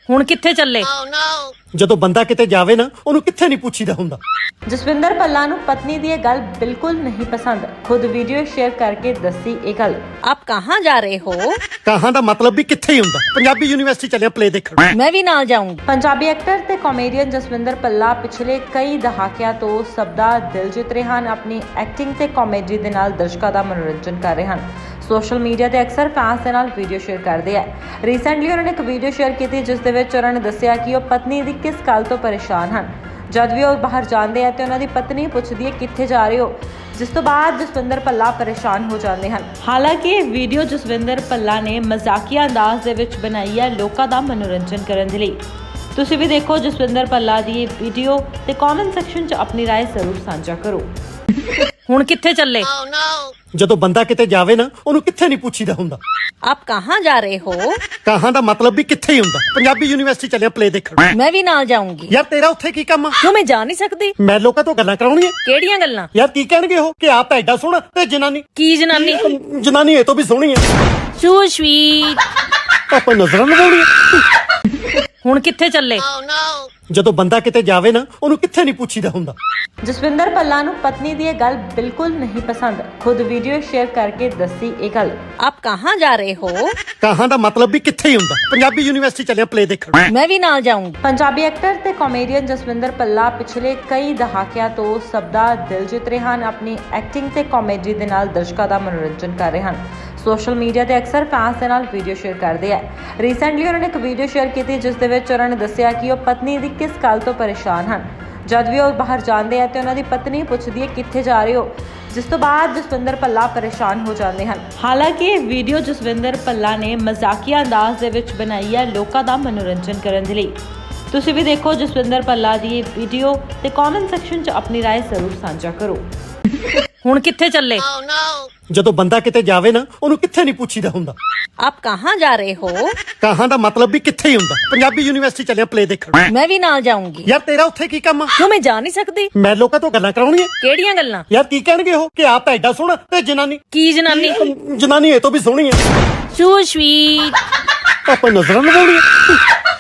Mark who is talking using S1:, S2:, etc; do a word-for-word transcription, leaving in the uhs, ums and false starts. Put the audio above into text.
S1: ਹੁਣ ਕਿੱਥੇ ਚੱਲੇ?
S2: ਜਦੋਂ ਬੰਦਾ ਕਿਤੇ ਜਾਵੇ ਨਾ ਉਹਨੂੰ ਕਿੱਥੇ ਨਹੀਂ ਪੁੱਛੀਦਾ ਹੁੰਦਾ।
S3: ਜਸਵਿੰਦਰ ਭੱਲਾ ਨੂੰ ਪਤਨੀ ਦੀ ਇਹ ਗੱਲ ਬਿਲਕੁਲ ਨਹੀਂ ਪਸੰਦ। ਖੁਦ ਵੀਡੀਓ ਸ਼ੇਅਰ ਕਰਕੇ ਦੱਸੀ ਇਹ ਗੱਲ।
S1: ਆਪ ਕਹਾਂ ਜਾ ਰਹੇ ਹੋ?
S2: ਕਹਾਂ ਦਾ ਮਤਲਬ ਵੀ ਕਿੱਥੇ ਹੀ ਹੁੰਦਾ। ਪੰਜਾਬੀ ਯੂਨੀਵਰਸਿਟੀ ਚੱਲਿਆ ਪਲੇ ਦੇਖਣ।
S1: ਮੈਂ ਵੀ ਨਾਲ ਜਾਊਂਗੀ।
S3: ਪੰਜਾਬੀ ਐਕਟਰ ਤੇ ਕਾਮੇਡੀਅਨ ਜਸਵਿੰਦਰ ਭੱਲਾ ਪਿਛਲੇ ਕਈ ਦਹਾਕਿਆਂ ਤੋਂ ਸਭ ਦਾ ਦਿਲ ਜਿੱਤ ਰਹੇ ਹਨ। ਆਪਣੀ ਐਕਟਿੰਗ ਤੇ ਕਾਮੇਡੀ ਦੇ ਨਾਲ ਦਰਸ਼ਕਾਂ ਦਾ ਮਨੋਰੰਜਨ ਕਰ ਰਹੇ ਹਨ। ਸੋਸ਼ਲ ਮੀਡੀਆ ਤੇ ਅਕਸਰ ਫੈਨਸ ਦੇ ਨਾਲ ਵੀਡੀਓ ਸ਼ੇਅਰ ਕਰਦੇ ਆ। ਰੀਸੈਂਟਲੀ ਉਹਨਾਂ ਨੇ ਇੱਕ ਵੀਡੀਓ ਸ਼ੇਅਰ ਕੀਤੀ ਜਿਸ ਦੇ ਵਿੱਚ ਉਹਨਾਂ ਨੇ ਦੱਸਿਆ ਕਿ ਉਹ ਪਤਨੀ ਦੀ ਕਿਸ ਗੱਲ ਤੋਂ ਪਰੇਸ਼ਾਨ ਹਨ। ਜਦ ਵੀ ਉਹ ਬਾਹਰ ਜਾਂਦੇ ਆ ਤੇ ਉਹਨਾਂ ਦੀ ਪਤਨੀ ਪੁੱਛਦੀ ਹੈ ਕਿੱਥੇ ਜਾ ਰਹੇ ਹੋ, ਜਿਸ ਤੋਂ ਬਾਅਦ ਜਸਵਿੰਦਰ ਭੱਲਾ ਪਰੇਸ਼ਾਨ ਹੋ ਜਾਂਦੇ ਹਨ। ਹਾਲਾਂਕਿ ਇਹ ਵੀਡੀਓ ਜਸਵਿੰਦਰ ਭੱਲਾ ਨੇ ਮਜ਼ਾਕੀਆ ਅੰਦਾਜ਼ ਦੇ ਵਿੱਚ ਬਣਾਈ ਹੈ ਲੋਕਾਂ ਦਾ ਮਨੋਰੰਜਨ ਕਰਨ ਦੇ ਲਈ। ਤੁਸੀਂ ਵੀ ਦੇਖੋ ਜਸਵਿੰਦਰ ਭੱਲਾ ਦੀ ਇਹ ਵੀਡੀਓ ਤੇ ਕਮੈਂਟ ਸੈਕਸ਼ਨ 'ਚ ਆਪਣੀ ਰਾਏ ਜ਼ਰੂਰ ਸਾਂਝਾ ਕਰੋ।
S1: ਹੁਣ ਕਿੱਥੇ ਚੱਲੇ?
S2: ਜਦੋਂ ਬੰਦਾ ਕਿਤੇ ਜਾਵੇ ਨਾ ਉਹਨੂੰ ਕਿੱਥੇ ਨਹੀਂ ਪੁੱਛੀਦਾ ਹੁੰਦਾ।
S1: ਆਪ ਕਹਾਂ ਜਾ ਰਹੇ ਹੋ?
S2: ਕਹਾਂ ਦਾ ਮਤਲਬ ਵੀ ਕਿੱਥੇ ਹੀ ਹੁੰਦਾ। ਪੰਜਾਬੀ ਯੂਨੀਵਰਸਿਟੀ ਚੱਲਿਆ ਪਲੇ ਦੇਖਣ।
S1: ਮੈਂ ਵੀ ਨਾਲ ਜਾਊਂਗੀ।
S2: ਯਾਰ ਤੇਰਾ ਉੱਥੇ ਕੀ ਕੰਮ ਆ?
S1: ਕਿਉਂ ਮੈਂ ਜਾ ਨਹੀਂ ਸਕਦੀ?
S2: ਮੈਂ ਲੋਕਾਂ ਤੋਂ ਗੱਲਾਂ ਕਰਾਉਣੀਆਂ।
S1: ਕਿਹੜੀਆਂ ਗੱਲਾਂ?
S2: ਯਾਰ ਕੀ ਕਹਿਣਗੇ ਉਹ ਕਿ ਆਪ ਤਾਂ ਐਡਾ ਸੋਹਣਾ ਤੇ ਜਨਾਨੀ
S1: ਕੀ ਜਨਾਨੀ?
S2: ਜਨਾਨੀ ਇਹ ਤੋਂ ਵੀ ਸੋਹਣੀ ਹੈ।
S1: So sweet.
S2: ਆਪਾਂ ਨਜ਼ਰਾਂ ਲਗਾਉਣੀਆਂ।
S1: ਹੁਣ ਕਿੱਥੇ ਚੱਲੇ?
S2: ਜਦੋਂ ਬੰਦਾ ਕਿਤੇ ਜਾਵੇ ਨਾ ਉਹਨੂੰ ਕਿੱਥੇ ਨਹੀਂ ਪੁੱਛੀਦਾ ਹੁੰਦਾ।
S3: ਜਸਵਿੰਦਰ ਭੱਲਾ ਨੂੰ ਪਤਨੀ ਦੀ ਇਹ ਗੱਲ ਬਿਲਕੁਲ ਨਹੀਂ ਪਸੰਦ। ਖੁਦ ਵੀਡੀਓ ਸ਼ੇਅਰ ਕਰਕੇ ਦੱਸੀ ਇਹ ਗੱਲ।
S1: ਆਪ ਕਹਾਂ ਜਾ ਰਹੇ ਹੋ?
S2: ਕਹਾਂ ਦਾ ਮਤਲਬ ਵੀ ਕਿੱਥੇ ਹੀ ਹੁੰਦਾ। ਪੰਜਾਬੀ ਯੂਨੀਵਰਸਿਟੀ ਚੱਲਿਆ ਪਲੇ ਦੇਖਣ।
S1: ਮੈਂ ਵੀ ਨਾਲ ਜਾਊਂਗੀ।
S3: ਪੰਜਾਬੀ ਐਕਟਰ ਤੇ ਕਾਮੇਡੀਅਨ ਜਸਵਿੰਦਰ ਭੱਲਾ ਪਿਛਲੇ ਕਈ ਦਹਾਕਿਆਂ ਤੋਂ ਸਭ ਦਾ ਦਿਲ ਜਿੱਤ ਰਹੇ ਹਨ। ਆਪਣੀ ਐਕਟਿੰਗ ਤੇ ਕਾਮੇਡੀ ਦੇ ਨਾਲ ਦਰਸ਼ਕਾਂ ਦਾ ਮਨੋਰੰਜਨ ਕਰ ਰਹੇ ਹਨ। ਸੋਸ਼ਲ ਮੀਡੀਆ ਤੇ ਅਕਸਰ ਫੈਨਸ ਦੇ ਨਾਲ ਵੀਡੀਓ ਸ਼ੇਅਰ ਕਰਦੇ ਆ। ਰੀਸੈਂਟਲੀ ਉਹਨਾਂ ਨੇ ਇੱਕ ਵੀਡੀਓ ਸ਼ੇਅਰ ਕੀਤੀ ਜਿਸ ਦੇ ਵਿੱਚ ਉਹਨਾਂ ਨੇ ਦੱਸਿਆ ਕਿ ਉਹ ਪਤਨੀ ਦੀ ਕਿਸ ਗੱਲ ਤੋਂ ਪਰੇਸ਼ਾਨ ਹਨ। ਜਦ ਵੀ ਉਹ ਬਾਹਰ ਜਾਂਦੇ ਆ ਤੇ ਉਹਨਾਂ ਦੀ ਪਤਨੀ ਪੁੱਛਦੀ ਹੈ ਕਿੱਥੇ ਜਾ ਰਹੇ ਹੋ, ਜਿਸ ਤੋਂ ਬਾਅਦ ਜਸਵਿੰਦਰ ਭੱਲਾ ਪਰੇਸ਼ਾਨ ਹੋ ਜਾਂਦੇ ਹਨ। ਹਾਲਾਂਕਿ ਇਹ ਵੀਡੀਓ ਜਸਵਿੰਦਰ ਭੱਲਾ ਨੇ ਮਜ਼ਾਕੀਆ ਅੰਦਾਜ਼ ਦੇ ਵਿੱਚ ਬਣਾਈ ਹੈ ਲੋਕਾਂ ਦਾ ਮਨੋਰੰਜਨ ਕਰਨ ਦੇ ਲਈ। ਤੁਸੀਂ ਵੀ ਦੇਖੋ ਜਸਵਿੰਦਰ ਭੱਲਾ ਦੀ ਇਹ ਵੀਡੀਓ ਤੇ ਕਮੈਂਟ ਸੈਕਸ਼ਨ 'ਚ ਆਪਣੀ ਰਾਏ ਜ਼ਰੂਰ ਸਾਂਝਾ ਕਰੋ।
S1: ਹੁਣ ਕਿੱਥੇ ਚੱਲੇ?
S2: ਜਦੋਂ ਬੰਦਾ ਕਿਤੇ ਜਾਵੇ ਨਾ ਉਹਨੂੰ ਕਿੱਥੇ ਨਹੀਂ ਪੁੱਛੀਦਾ ਹੁੰਦਾ।
S1: ਆਪ ਕਹਾਂ ਜਾ ਰਹੇ ਹੋ?
S2: ਕਹਾਂ ਦਾ ਮਤਲਬ ਵੀ ਕਿੱਥੇ ਹੀ ਹੁੰਦਾ। ਪੰਜਾਬੀ ਯੂਨੀਵਰਸਿਟੀ ਚੱਲਿਆ ਪਲੇ ਦੇਖਣ।
S1: ਮੈਂ ਵੀ ਨਾਲ ਜਾਊਂਗੀ।
S2: ਯਾਰ ਤੇਰਾ ਉੱਥੇ ਕੀ ਕੰਮ ਆ?
S1: ਕਿਉਂ ਮੈਂ ਜਾ ਨਹੀਂ ਸਕਦੀ? ਮੈਂ
S2: ਲੋਕਾਂ ਤੋਂ ਗੱਲਾਂ ਕਰਾਉਣੀਆਂ।
S1: ਕਿਹੜੀਆਂ ਗੱਲਾਂ?
S2: ਯਾਰ ਕੀ ਕਹਿਣਗੇ ਉਹ ਕਿ ਆਪ ਤਾਂ ਐਡਾ ਸੋਹਣਾ ਤੇ ਜਨਾਨੀ
S1: ਕੀ ਜਨਾਨੀ?
S2: ਜਨਾਨੀ ਇਹ ਤੋਂ ਵੀ ਸੋਹਣੀ ਹੈ।
S1: So sweet.
S2: ਆਪਾਂ ਨਜ਼ਰਾਂ ਲਗਾਉਣੀਆਂ।